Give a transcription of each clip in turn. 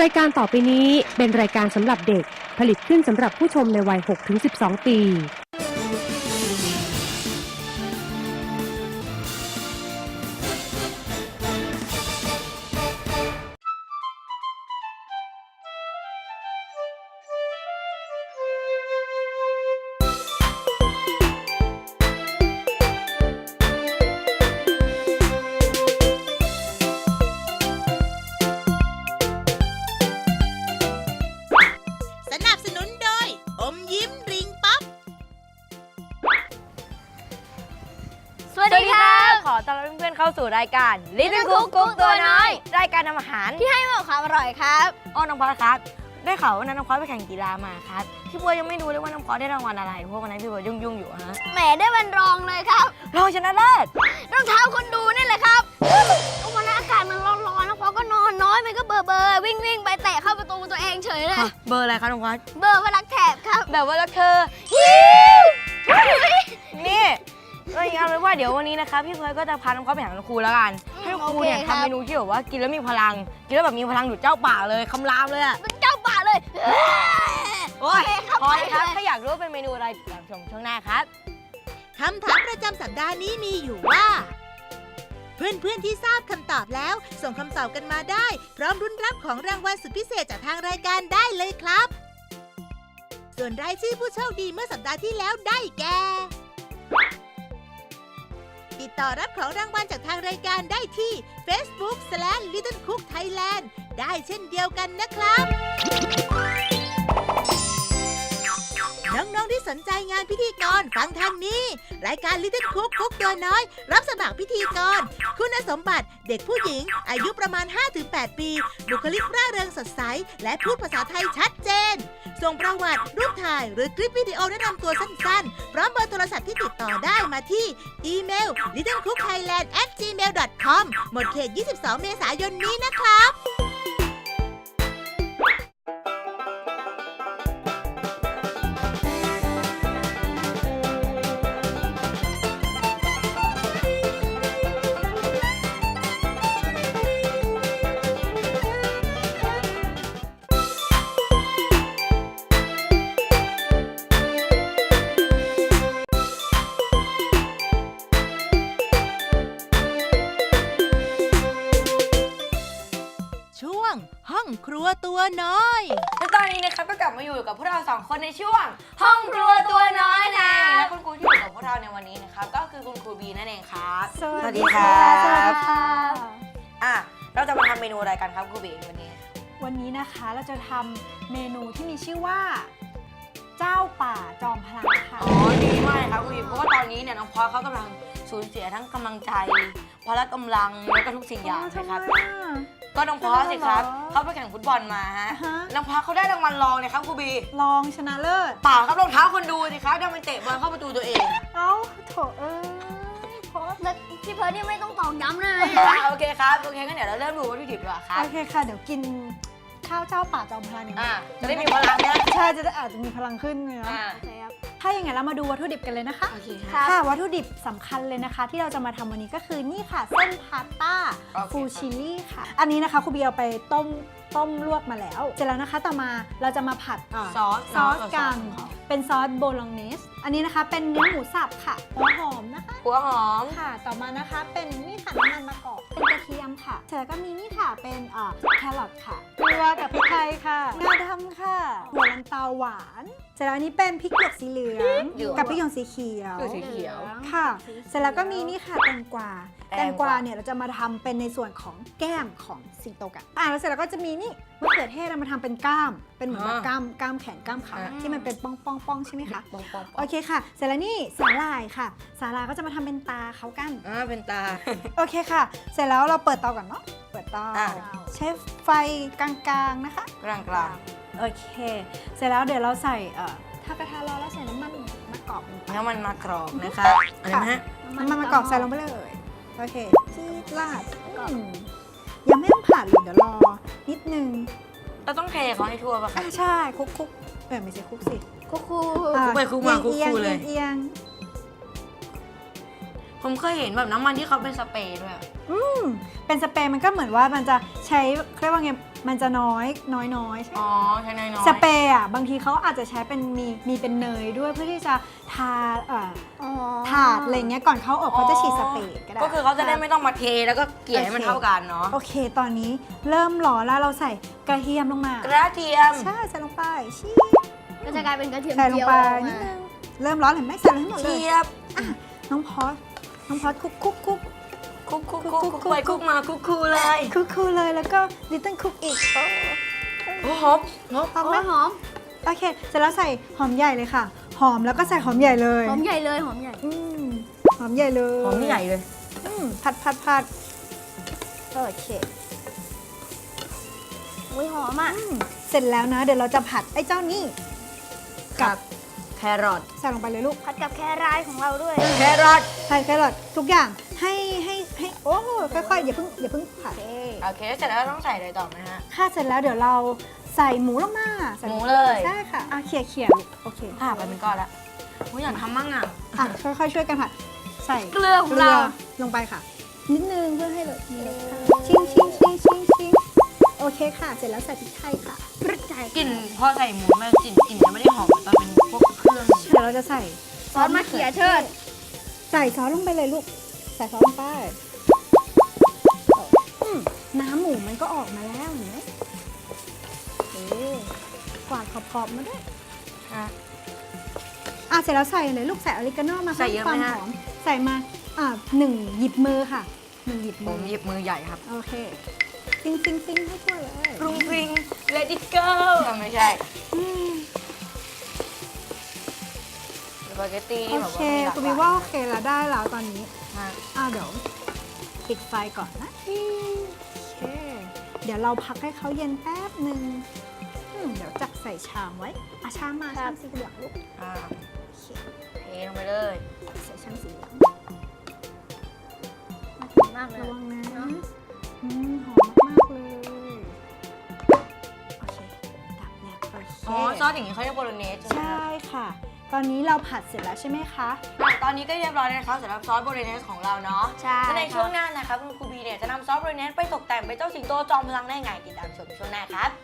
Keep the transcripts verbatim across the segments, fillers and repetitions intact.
รายการต่อไปนี้เป็นรายการสำหรับเด็กผลิตขึ้นสำหรับผู้ชมในวัย หกถึงสิบสอง ปีสนับสนุนโดยอมยิ้มริงป๊อปสวัสดีครับขอต้อนรับเพื่อนๆเข้าสู่รายการ Little Cook กุ๊กตัวน้อยรายการทำอาหารที่ให้ความอร่อยครับอ้อน้องพอดครับได้ข่าวว่าน้องพอดไปแข่งกีฬามาครับพี่บัวยังไม่รู้เลยว่าน้องพอดได้รางวัลอะไรเพราะวันนั้นพี่บัวยุ่งๆอยู่ฮะแหมได้วันรองเลยครับรองชนะเลิศรองเท้าคนดูนี่แหละครับวันนั้นอากาศมันร้อนๆน้องพอดก็นอนน้อยมันก็เบอร์เบอร์วิ่งวิ่งไปเตะเข้าประตูตัวเองเฉยเลยเบอร์อะไรครับน้องพอดเบอร์ว่ารักแถบครับแบบว่ารักเธอนี่เราเอาเลยว่าเดี๋ยววันนี้นะคะพี่เพิร์ดก็จะพาน้องเขาไปหาคุณครูแล้วกันให้ครูเนี่ยทำเมนูที่แบบว่ากินแล้วมีพลังกินแล้วแบบมีพลังดุจเจ้าป่าเลยคำรามเลยอะเป็นเจ้าป่าเลยโอ้ยพอเลยครับถ้าอยากรู้ว่าเป็นเมนูอะไรติดตามชมช่วงหน้าครับคำถามประจำสัปดาห์นี้มีอยู่ว่า เพื่อนๆที่ทราบคำตอบแล้วส่งคำตอบกันมาได้พร้อมรุ้นรับของรางวัลสุดพิเศษจากทางรายการได้เลยครับส่วนรายชื่อผู้โชคดีเมื่อสัปดาห์ที่แล้วได้แก่ติดต่อรับของรางวัลจากทางรายการได้ที่ Facebook สแลช Little Cook Thailand ได้เช่นเดียวกันนะครับน้องๆที่สนใจงานพิธีกรฟังทางนี้รายการ Little Cook กุ๊กตัวน้อยรับสมัครพิธีกรคุณสมบัติเด็กผู้หญิงอายุประมาณ ห้าถึงแปด ปีบุคลิกร่าเริงสดใสและพูดภาษาไทยชัดเจนส่งประวัติรูปถ่ายหรือคลิปวิดีโอแนะนำตัวสั้นๆพร้อมเบอร์โทรศัพท์ที่ติดต่อได้มาที่อีเมล ลิตเติ้ลคุกไทยแลนด์ แอท จีเมล ดอท คอม หมดเขต ยี่สิบสอง เมษายนนี้นะครับช่วงห้องครัวตัวน้อยและตอนนี้นะครับก็กลับมาอยู่กับพวกเราสองคนในช่วงห้องครัวตัวน้อยนะและคุณครูที่อยู่กับพวกเราในวันนี้นะครับก็คือคุณครูบีนั่นเองครับสวัสดีครับอ่ะเราจะมาทำเมนูอะไรกันครับครูบีวันนี้วันนี้นะคะเราจะทำเมนูที่มีชื่อว่าเจ้าป่าจอมพลังค่ะอ๋อดีมากเลยครับครูบีเพราะว่าตอนนี้เนี่ยน้องพอสเขากำลังสูญเสียทั้งกำลังใจพละกำลังแล้วก็ทุกสิ่งอย่างนะครับก็น้องพอสสิครับเขาไปแข่งฟุตบอลมาฮะน้องพอสเขาได้รางวัลรองเลยครับครูบีรองชนะเลิศเปล่าครับรองเท้าคนดูสิครับดันไปเตะบอลเข้าประตูตัวเองเอ้าโถเอ้ยพอสพี่เพิร์ดนี่ไม่ต้องตอกย้ำเลยโอเคครับโอเคงั้นเดี๋ยวเราเริ่มดูวัตถุดิบดีกว่าครับโอเคค่ะเดี๋ยวกินข้าวเจ้าป่าจอมพลังอ่าจะได้มีพลังนะใช่จะได้อาจจะมีพลังขึ้นเลยนะถ้าอย่างไงเรามาดูวัตถุดิบกันเลยนะคะโอเคค่ะค่ะวัตถุดิบสำคัญเลยนะคะที่เราจะมาทำวันนี้ก็คือนี่ค่ะเส้นพาสต้าฟูชิลี่ค่ะอันนี้นะคะครูบีเอาไปต้มต้มลวกมาแล้วเสร็จแล้วนะคะต่อมาเราจะมาผัดซอสซอสกันเป็นซอสโบโลเนสอันนี้นะคะเป็นเนื้อหมูสับค่ะหัวหอมนะคะหัวหอมค่ะต่อมานะคะเป็นนี่ค่ะน้ำมันมะกอกเป็นกระเทียมค่ะเสร็จแล้วก็มีนี่ค่ะเป็นแครอทค่ะเกลือกับพริกไทยค่ะงาดำค่ะหัวลันเตาหวานเสร็จแล้วอันนี้เป็นพริกหยวกสีเหลืองกับพริกหยวกสีเขียวสีเขียวค่ะเสร็จแล้วก็มีนี่ค่ะแตงกวาแตงกวาเนี่ยเราจะมาทำเป็นในส่วนของแก้มของสิงโตกันอ่าแล้วเสร็จแล้วก็จะมีนี่มะเขือเทศเรามาทำเป็นก้ามเป็นเหมือนแบบก้ามก้ามแขนก้ามขาที่มันเป็นป้องป้องป้องใช่ไหมคะโอเคค่ะเสร็จแล้วนี่สาหร่ายค่ะสาหร่ายก็จะมาทำเป็นตาเขากันอ่าเป็นตาโอเคค่ะเสร็จแล้วเราเปิดเตาก่อนเนาะเปิดเตาใช้ไฟกลางๆนะคะกลางๆโอเคเสร็จแล้วเดี๋ยวเราใส่เอ่อถ้ากระทะร้อนเราใส่น้ำมันมะกอกน้ำมันมะกอกนะคะอะไรนะน้ำมันมะกอกใส่ลงไปเลยโอเคที่ราดยังไม่ต้องผัดเลยเดี๋ยวรอนิดนึงเราต้องเทเขาให้ทั่วป่ะคะใช่คุกคุกเออไม่ใช่คุกสิคุกคุกคุกไปคุกมาคุกคุกเลยเอียงผมเคยเห็นแบบน้ำมันที่เขาเป็นสเปรย์ด้วยอืมเป็นสเปรย์มันก็เหมือนว่ามันจะใช้เรียกว่าไงมันจะน้อยน้อยน้อยใช่ไหมอ๋อใช่น้อยๆสเปรย์อ่ะบางทีเขาอาจจะใช้เป็นมีมีเป็นเนยด้วยเพื่อที่จะทาเอ่อถาดอะไรเงี้ยก่อนเขาออกเขาจะฉีดสเปรย์ก็ได้ก็คือเขาจะได้ไม่ต้องมาเทแล้วก็เกลี่ยให้มันเท่ากันเนาะโอเคตอนนี้เริ่มร้อนแล้วเราใส่กระเทียมลงมากระเทียมใช่ใส่ลงไปชี้ก็จะกลายเป็นกระเทียมใส่ลงเจียวไปออกนิมาดนึงเริ่มร้อนเห็นไหมใส่เลยทั้งหมดเลยเทียบน้องพอสน้องพอสคุกคุกคุกคุกคุกคุกคุกไปคุกมาคุกคูเลยคุกคุกเลยแล้วก็ลิตเติ้ลคุกอีกโอ้โอ้หอมหอมหอมไหมโอ้ยหอมโอเคเสร็จแล้วใส่หอมใหญ่เลยค่ะ หอมแล้วก็ใส่หอมใหญ่เลยหอมใหญ่เลยหอมใหญ่อืมหอมใหญ่เลยหอมใหญ่เลยอืมผัดผัดผัดโอเคอุ้ยหอมอ่ะอืมเสร็จแล้วนะ เดี๋ยวเราจะผัดไอ้เจ้านี่กับแครอทใส่ลงไปเลยลูกผัดกับแครายของเราด้วยแครอทใส่แครอททุกอย่างให้ให้ให้โอ้ค่อยๆอย่าเพิ่งอย่าเพิ่งผัดโอเคเสร็จแล้วต้องใส่อะไรต่อไหมฮะค่ะเสร็จแล้วเดี๋ยวเราใส่หมูลงมาใส่หมูเลยใช่ค่ะอ่ะเขี่ยเขี่ยลูกโอเคถ้าไปเป็นก้อนละโอ้ยอยากทำมั่งอ่ะอ่ะค่อยๆช่วยกันผัดใส่เกลือของเราลงไปค่ะ นิดนึงเพื่อให้เลยมีรสชาติชิงชิงชิงชิงชิงโอเคค่ะ เสร็จแล้วใส่พริกไทยค่ะพริกไทยกลิ่นพอใส่หมูมันกลิ่นกลิ่นจะไม่ได้หอมเหมือนตอนเป็นพวกเครื่องเดี๋ยวเราจะใส่ซอสมะเขือเชิดใส่ซอสลงไปเลยลูก ใส่ซอสลงไปอืมน้ำหมูมันก็ออกมาแล้วเห็นไหมโอ้กวาดขอบๆมาด้วยอ่ะอ่ะเสร็จแล้วใส่เลยลูกใส่ออริกาโนมาใส่เยอะไหมความฮะหอมใส่มาอ่ะหนึ่งหยิบมือค่ะหนึ่งหยิบผมืมอหยิบมือใหญ่ครับโอเคซิงซิงซิงให้ทั่วเลยปรุงปริง let it go ไม่ใช่อืมสปาเกตตี้โอนี่แบบเคว่ามีหลากคุณหวิลายว่าโอเคแล้วได้แล้วตอนนี้มากอ่ะเดี๋ยวปิดไฟก่อนนะโอเคเดี๋ยวเราพักให้เขาเย็นแป๊บหนึ่งอืมเดี๋ยวจักใส่ชามไว้อ่ะชามมาชามสีเหลืองลูกอ่าโอเคเทลงไปเลยใส่ชามสีเหลืองมากเลยระวังนะเนอะอืมหอมมากๆเลยโอเคดับเนี่ยโอเคอ๋อซอสอย่างนี้เขาเรียกโบโลเนสใช่ไหมใช่ครับค่ะ ตอนนี้เราผัดเสร็จแล้วใช่ไหมคะตอนนี้ก็เรียบร้อยแล้วนะครับสำหรับซอสโบโลเนสของเราเนาะใช่และในช่วงหน้านะครับคุณครูบีเนี่ยจะนำซอสโบโลเนสไปตกแต่งเป็นเจ้าสิงโตจอมพลังได้ไงติดตามชมช่วงหน้าครับ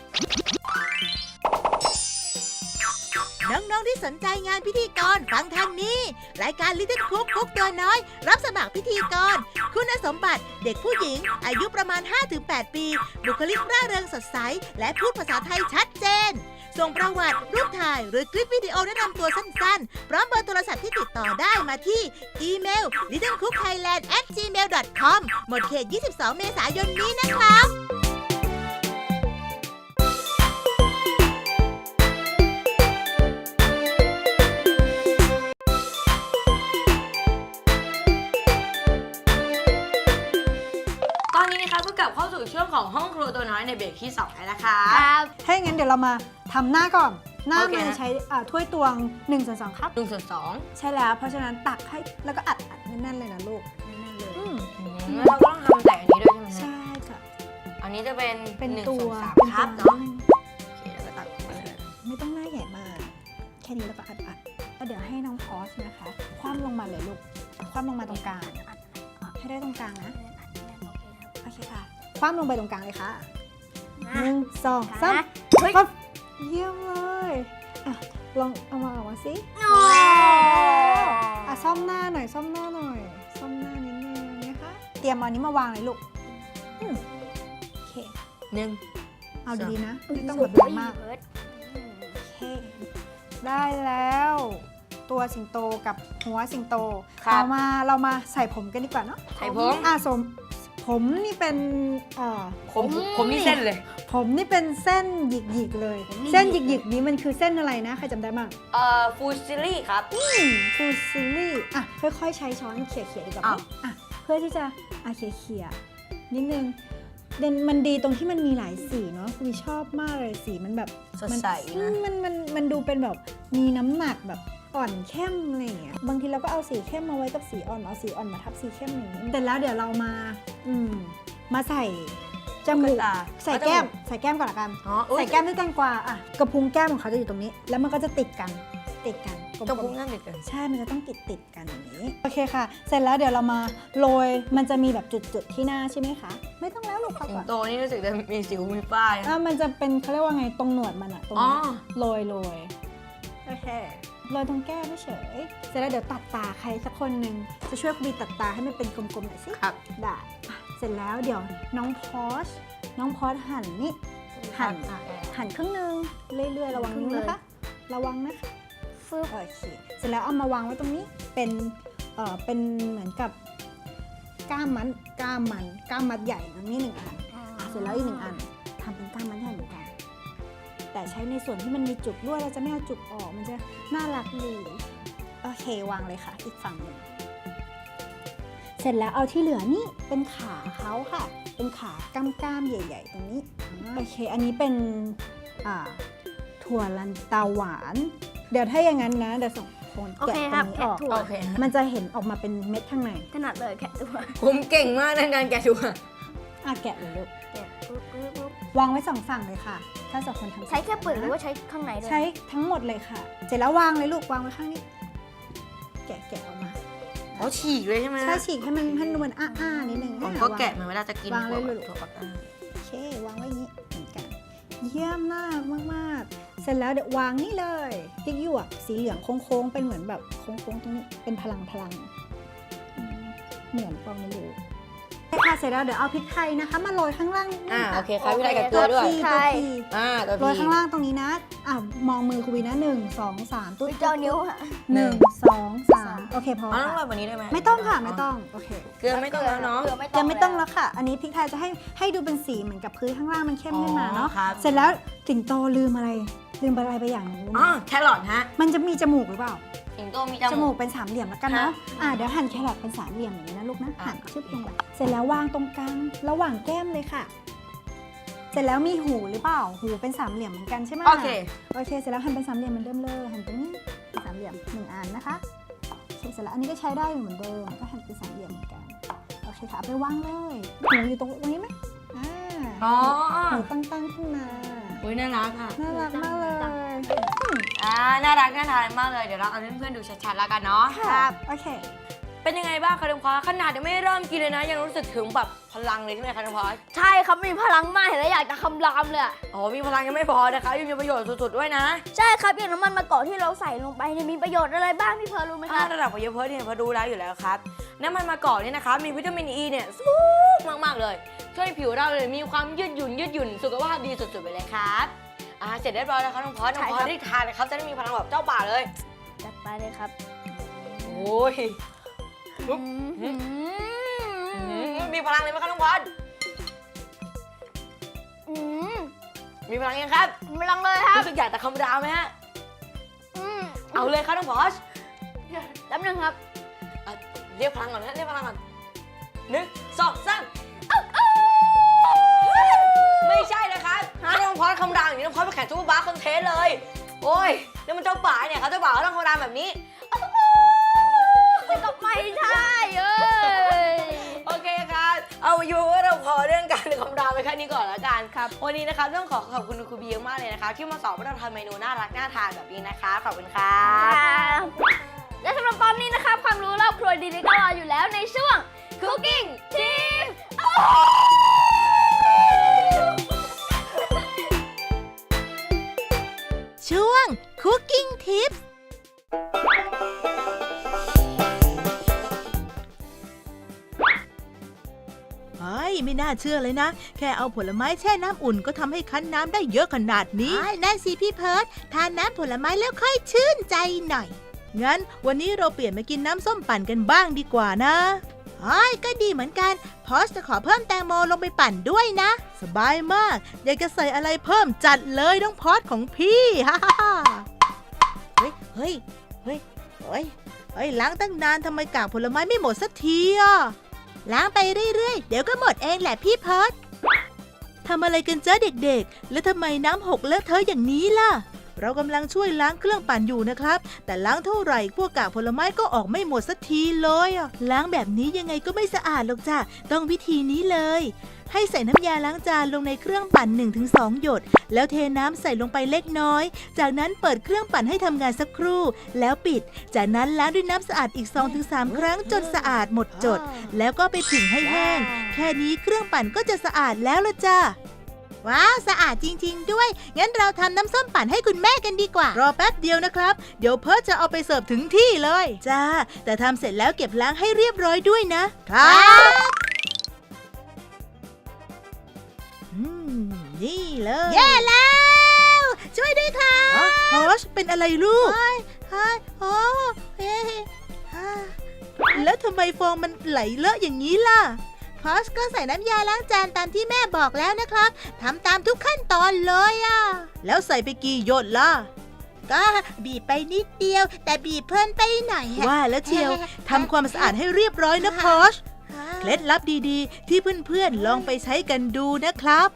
น้องๆที่สนใจงานพิธีกรฟังทางนี้ รายการ Little Cook คุกตัวน้อย รับสมัครพิธีกร คุณสมบัติเด็กผู้หญิง อายุประมาณ ห้าถึงแปด ปี บุคลิกร่าเริงสดใส และพูดภาษาไทยชัดเจน ส่งประวัติรูปถ่ายหรือคลิปวิดีโอแนะนำตัวสั้นๆ พร้อมเบอร์โทรศัพท์ที่ติดต่อได้มาที่อีเมล little cook thailand at gmail dot com หมดเขต ยี่สิบสอง เมษายนนี้นะครับตอนนี้นะครับก็กลับเข้าสู่ช่วงของห้องครัวตัวน้อยในเบรกที่สองแล้วนะคะครับถ้าอย่างนั้นเดี๋ยวเรามาทำหน้าก่อน หน้าโอเคมันฮะใช้อ่าถ้วยตวงหนึ่งส่วนสองครับหนึ่งส่วนสองใช่แล้ว เพราะฉะนั้นตักให้แล้วก็อัดอัดแน่นๆเลยนะลูกแน่นๆเลยอืมแล้วเราก็ต้องทำแต่อันนี้ด้วยใช่ไหมฮะใช่ค่ะอันนี้จะเป็นเป็นหนึ่งตัส่ววนสามเป็นครับตัวเนาะโอเคแล้วก็ตักออกมาเลยไม่ต้องหน้าใหญ่มาก แค่นี้แล้วก็อัดอัดแล้วเดี๋ยวให้น้องพอสนะคะ คว่ำลงมาเลยลูก คว่ำลงมาตรงกลางอ่ะให้ได้ตรงกลางนะ โอเคค่ะ คว่ำลงไปตรงกลางเลยค่ะหนึ่งสองสามเฮ้ยปั๊บเยี่ยมเลยอ่ะลองเอามาออกมาสิโอ้อ่ะซ่อมหน้าหน่อยซ่อมหน้าหน่อยซ่อมหน้านิดนึงนะคะ เตรียมเอาอันนี้มาวางเลยลูกอืมโอเคหนึ่งเอาดีๆนะ ไม่ต้องสุแบดบแรงมากเพิร์ดโอเค ได้แล้ว ตัวสิงโตกับหัวสิงโตครับต่อมาเรามาใส่ผมกันดีกว่าเนาะใส่ผมอ่ะสมผมนี่เป็นเอ่อผมผมนี่เส้นเลยผมนี่เป็นเส้นหยิกๆเลย เส้นหยิกๆนี้มันคือเส้นอะไรนะ ใครจำได้บ้างเอ่อฟูซิลี่ครับฟูซิลี่อ่ะค่อยๆใช้ช้อนเขี่ยๆดีกว่าไหมอ้าวอ่ะเพื่อที่จะอ่ะเขี่ยๆนิดนึงเด่นมันดีตรงที่มันมีหลายสีเนาะคุณชอบมากเลยสีมันแบบสดมันใสอืนะมมันมันมันดูเป็นแบบมีน้ำหนักแบบอ่อนเข้มอะไรอย่างเงี้ยบางทีเราก็เอาสีเข้มมาไว้กับสีอ่อนเอาสีอ่อนมาทับสีเข้มอย่างนี้แต่แล้วเดี๋ยวเรามาอืมมาใส่จมูกตาใส่แก้มใส่แก้มก่อนละกันอ๋ออุ๊ยใส่แก้มด้วยแตงกวาอ่ะกระพุ้งแก้มของเขาจะอยู่ตรงนี้ แล้วมันก็จะติดกันติดกันลมๆกระพุ้งนั่นติดกันใช่ มันจะต้องติดติดกันอย่างนี้ โอเคค่ะ เสร็จแล้วเดี๋ยวเรามาโรย มันจะมีแบบจุดๆที่หน้าใช่ไหมคะ ไม่ต้องแล้วลูกพักสิก่งอนโตนี่รู้สึกจะมีสิวมีป้ายอ่ะมันจะเป็นเขาเรียกว่าไงตรงหนวดมันอะตรงอ๋อนี้โรยโรยโอเคโรยตรงแก้มเฉยเสร็จแล้วเดี๋ยวตัดตาใครสักคนหนึ่งจะช่วยครูบีตัดตาให้มันเป็นกลมๆหน่อยสิครับได้อ่ะเสร็จแล้วเดี๋ยวน้องพอชน้องพอชหั่นนี่หั่นหั่นครึ่งหนึงเรื่อยๆระวังนิ้วนะคะระวังนะคะฟึบโอเคเสร็จแล้วเอามาวางไว้ตรงนี้เป็นเอ่อเป็นเหมือนกับก้ามมันก้ามมันก้ามมัดใหญ่ตรงนี้หนึ่งอันอ่ะเสร็จแล้วอีกหนึ่งอันทำเป็นก้ามมัดใหญ่เหมือนกันแต่ใช้ในส่วนที่มันมีจุกด้วยเราจะไม่เอาจุกออกมันจะน่ารักดีโอเควางเลยค่ะอีกฝั่งหนึ่งเสร็จแล้วเอาที่เหลือนี่เป็นขาเขาค่ะ เป็นขากล้ามๆใหญ่ ๆ ตรงนี้โอเคอันนี้เป็นอ่าถั่วลันเตาหวาน เดี๋ยวถ้าอย่างนั้นนะเดี๋ยวส่งคนโอแกะเคตครรับงนี้แกะออกถั่วโอเคมันจะเห็นออกมาเป็นเม็ดข้างในถนัดเลยแกะถั่วผมเก่งมากในการแกะถั่วอ่ะแกะเลยลูกแกะปุ๊บปุ๊บปุ๊บวางไว้สองฝั่งเลยค่ะ ถ้าสองคนทำใช้แค่เปลือกหรือว่าใช้ข้างในด้วยใช้ทั้งหมดเลยค่ะ เสร็จแล้ววางเลยลูกวางไว้ข้างนี้ แกะแกะออกมาอ๋อฉีกเลยใช่ไหมใช่ฉีกให้มันให้มันอ้าๆนิดนึงผมอ่ะก็วางแกะเหมือนเวลาจะกินวางเลยถั่วลูกถั่วปักใต้โอเควางไว้อย่างนี้เหมือนกัน เยี่ยมมากมากๆ เสร็จแล้วเดี๋ยววางนี่เลยติ๊กหยวกสีเหลืองโค้งๆเป็นเหมือนแบบโค้งๆตรงนี้เป็นพลังพลังอืมเหมือนปองในรูใช่ค่ะเสร็จแล้วเดี๋ยวเอาพริกไทยนะคะมาโรยข้างล่างนิดนึอ่าง โอค่ะเคครับพี่ไรกับเกลือด้วยตัวพีตัวพีอ่าตัวโรยพีข้างล่างตรงนี้นะอ่ะมองมือครูวีนะหนึ่งสองสามตุ๊ดเจ้านิ้วอะหนึ่งสองสามโอเคพออ๋อต้องโรค่ะยแบบนี้ได้ไหมไม่ต้องค่ะไม่ต้องโอเคเกลือไม่ต้องแล้วเนาะเกลือไม่ยังไม่ต้องแล้แล้ว วค่ะ อันนี้พริกไทยจะให้ให้ดูเป็นสีเหมือนกับพื้นข้างล่างมันเข้มขึ้นมาเนาะอ๋อครับเสร็จแล้วสิงโตลืมอะไรลืมอะไรไปอย่างหนึงรู้ไหมอ๋อแครอทฮะมันจะมีจมูกหรือเปล่าสิงโตมีจจมูมูกกเป็นสามเหลี่ยมแล้วกันเนาะฮะอ่าเดี๋ยวหั่นแครอทเป็นสามเหลี่ยมอย่างนี้นะลูกนะอ่ะหั่นชึบลงไปเสร็จแล้ววางตรงกลางระหว่างแก้มเลยค่ะ เสร็จแล้วมีหูหรือเปล่า หูเป็นสามเหลี่ยมเหมือนกันใช่ไหมโอเคโอเค เสร็จแล้วหั่นเป็นสามเหลี่ยมเหมือนเดิมเลย หั่นตรงนี้เป็นสามเหลี่ยมหนึ่งอันนะคะโอเคเสร็จแล้วอันนี้ก็ใช้ได้เหมือนเดิม ก็หั่นเป็นสามเหลี่ยมเหมือนกัน โอเคค่ะเอาไปวางเลย หูอยู่ตรงตรงนี้ไหมอ่าอ๋อหูตั้งๆขึ้นมาอุ้ยน่ารักค่ะน่ารักมากเลยอ่าน่ารักน่าทานมากเลยเดี๋ยวเราเอาให้เพื่อนๆดูชัดๆแล้วกันเนาะครับ โอเคเป็นยังไงบ้างคะน้องพอสขนาดยังไม่เริ่มกินเลยนะ ยังรู้สึกถึงแบบพลังเลยใช่ไหมคะน้องพอสใช่ครับมีพลังมากเห็นแล้วอยากจะคำรามเลยอะอ๋อมีพลังยังไม่พอนะคะยังมีประโยชน์สุดๆด้วยนะใช่ครับอย่างน้ำมันมะกอกที่เราใส่ลงไปเนี่ยมีประโยชน์อะไรบ้างพี่เพร์ลรู้ไหมคถ้ารับระดับของเยอะเพิร์ดเนี่ยพอดูแล้วอยู่แล้วครับน้ำมันมะกอกเนี่ยนะคะมีวิตามินอีเนี่ยสูงมากๆเลย ช่วยผิวเราเลยมีความยืดหยุ่นยืดหยุ่นสุขภาพดีสุดๆไปเลยครับอ่าเสร็จเรียบร้อยแล้วครับน้องพอสน้องพอสได้ทานเลยครับจะได้มีพลังแบบเจ้าป่าเลยจัดไปเลยครับโอ้ย ปุ๊บอืมอืมมีพลังเลยไหมครับน้องพอสอืมมีพลังยังครับมีพลังเลยครับรู้สึกอยากจะคำรามไหมฮะอืมเอาเลยครับน้องพอสแป๊บนึงครับอ่ะเรียกพลังก่อนนะเรียกพลังก่อนหนึ่งสองสามไม่ใช่นะครับถ้าน้องพอสคำรามอย่างนี้น้องพอสไปแข่งซูเปอร์บาสคอนเทสเลย โอ้ยนี่มันเจ้าป่าเนี่ยเขาเจ้าป่าเขาต้องคำรามแบบนี้แต่ก็ไม่ใช่เอ้ยโอเคครับ เอาอยู่ว่าเราพอเรื่องการคำรามไปแค่นี้ก่อนละกันครับวันนี้นะครับต้องขอขอบคุณครูบีมากเลยนะคะที่มาสอนว่าเราทำเมนูน่ารักน่าทานแบบนี้นะคะขอบคุณครับและสำหรับตอนนี้นะครับ ความรู้รอบครัวดีๆก็รออยู่แล้วในช่วง Cooking Team ช่วง Cooking Tips เฮ้ยไม่น่าเชื่อเลยนะ แค่เอาผลไม้แช่น้ำอุ่นก็ทำให้คั้นน้ำได้เยอะขนาดนี้นั่นสิพี่เพิร์ดทานน้ำผลไม้แล้วค่อยชื่นใจหน่อย งั้นวันนี้เราเปลี่ยนมากินน้ำส้มปั่นกันบ้างดีกว่านะเฮ้ยก็ดีเหมือนกันพอสจะขอเพิ่มแตงโมลงไปปั่นด้วยนะ สบายมาก อยากจะใส่อะไรเพิ่มจัดเลยน้องพอสของพี่ฮ่าฮ่าฮ่าเฮ้ยเฮ้ยเฮ้ยเฮ้ยเฮ้ยล้างตั้งนานทำไมกากผลไม้ไม่หมดสักทีอ่ะ ล้างไปเรื่อยๆ เดี๋ยวก็หมดเองแหละพี่เพิร์ดทำอะไรกันจ้าเด็กๆ แล้วทำไมน้ำหกเลอะเทอะอย่างนี้ล่ะ เรากำลังช่วยล้างเครื่องปั่นอยู่นะครับ แต่ล้างเท่าไหร่พวกกากผลไม้ก็ออกไม่หมดสักทีเลยอ่ะ ล้างแบบนี้ยังไงก็ไม่สะอาดหรอกจ้ะ ต้องวิธีนี้เลยให้ใส่น้ำยาล้างจานลงในเครื่องปั่น หนึ่งถึงสอง หยด แล้วเทน้ำใส่ลงไปเล็กน้อย จากนั้นเปิดเครื่องปั่นให้ทำงานสักครู่ แล้วปิด จากนั้นล้างด้วยน้ำสะอาดอีก สองถึงสาม ครั้งจนสะอาดหมดจด แล้วก็ไปผึ่งให้แห้ง แค่นี้เครื่องปั่นก็จะสะอาดแล้วละจ้าว้าวสะอาดจริงๆด้วยงั้นเราทำน้ำส้มปั่นให้คุณแม่กันดีกว่ารอแป๊บเดียวนะครับเดี๋ยวเพิร์ทจะเอาไปเสิร์ฟถึงที่เลยจ้าแต่ทำเสร็จแล้วเก็บล้างให้เรียบร้อยด้วยนะครับอืมนี่เลยแย่แล้วช่วยด้วยค่ะฮอชเป็นอะไรลูกเฮ้ยเฮ้ยโอ้เฮ้ยแล้วทำไมฟองมันไหลเลอะอย่างนี้ล่ะพอชก็ใส่น้ำยาล้างจานตามที่แม่บอกแล้วนะครับทำตามทุกขั้นตอนเลยอ่ะแล้วใส่ไปกี่หยดล่ะก็บีบไปนิดเดียวแต่บีบเพิ่นไปหน่อยว่าแล้วเชียวทำความสะอาดให้เรียบร้อยนะพอชเคล็ดลับดีๆที่เพื่อนๆลองไปใช้กันดูนะครับ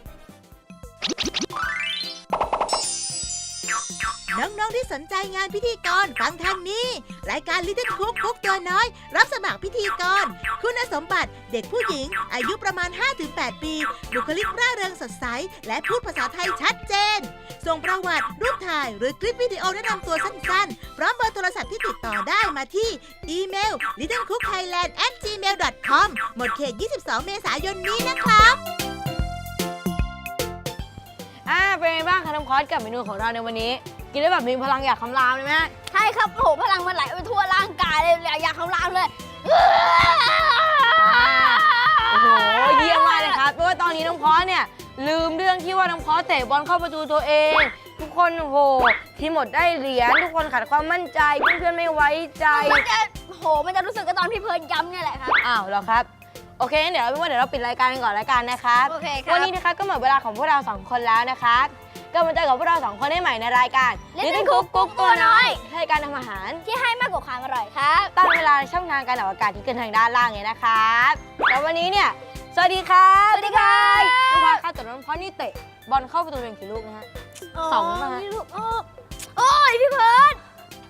น้องๆที่สนใจงานพิธีกรฟังทางนี้รายการ Little Cook คุกตัวน้อยรับสมัครพิธีกรคุณสมบัติเด็กผู้หญิงอายุประมาณ ห้าถึงแปด ปีบุคลิกร่าเริงสดใสและพูดภาษาไทยชัดเจนส่งประวัติรูปถ่ายหรือคลิปวิดีโอแนะนำตัวสั้นๆพร้อมเบอร์โทรศัพท์ที่ติดต่อได้มาที่อีเมล ลิตเติ้ลคุกไทยแลนด์ แอท จีเมล ดอท คอม หมดเขต ยี่สิบสอง เมษายนนี้นะครับอ่าเป็นไงบ้างคะน้องพอดกับเมนูของเราในวันนี้กินได้แบบมีพลังอยากคำรามเลยไหมฮะใช่ครับโอ้โหพลังมันไหลไปทั่วร่างกายเลยอยากคำรามเลยโอ้โหเยี่ยมมากเลยครับเพราะว่าตอนนี้น้องพอดเนี่ยลืมเรื่องที่ว่าน้องพอดเตะบอลเข้าประตูตัวเอง ทุกคนโอ้โหทีมหมดได้เหรียญทุกคนขาดความมั่นใจเพื่อนๆไม่ไว้ใจมันจะโหมันจะรู้สึกกับตอนพี่เพิร์นย้ำเนี่ยแหละครับอ้าวเหรอครับโอเคงั้นเดี๋ยวเอาเป็นว่าเดี๋ยวเราปิดรายการกันก่อนรายการนะครับโอเคครับวันนี้นะคะก็หมดเวลาของพวกเราสองคนแล้วนะครับก็มาเจอกับพวกเราสองคนได้ใหม่ในรายการ Little Cook กุ๊กตัวน้อยรายการทำอาหารที่ให้มากกว่าความอร่อยครับตั้งเวลาช่องทางการออกอากาศที่ขึ้นทางด้านล่างเลยนะครับแล้ววันนี้เนี่ยสวัสดีครับสวัสดีครับน้องพอครับแต่น้องพอนี่เตะบอลเข้าประตูเองกี่ลูกนะฮะ สองมานี่ลูกโอ้โอ้ยพี่เพิร์น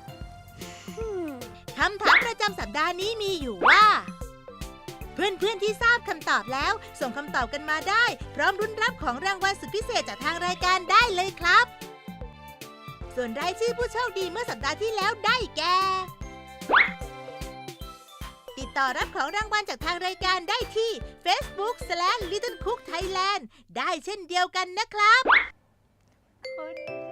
คำถามประจำสัปดาห์นี้มีอยู่ว่า เพื่อนๆที่ทราบคำตอบแล้ว ส่งคำตอบกันมาได้ พร้อมรุ้นรับของรางวัลสุดพิเศษจากทางรายการได้เลยครับ ส่วนรายชื่อผู้โชคดีเมื่อสัปดาห์ที่แล้วได้แก่ ติดต่อรับของรางวัลจากทางรายการได้ที่ Facebook สแลช ลิตเติ้ลคุกไทยแลนด์ ได้เช่นเดียวกันนะครับ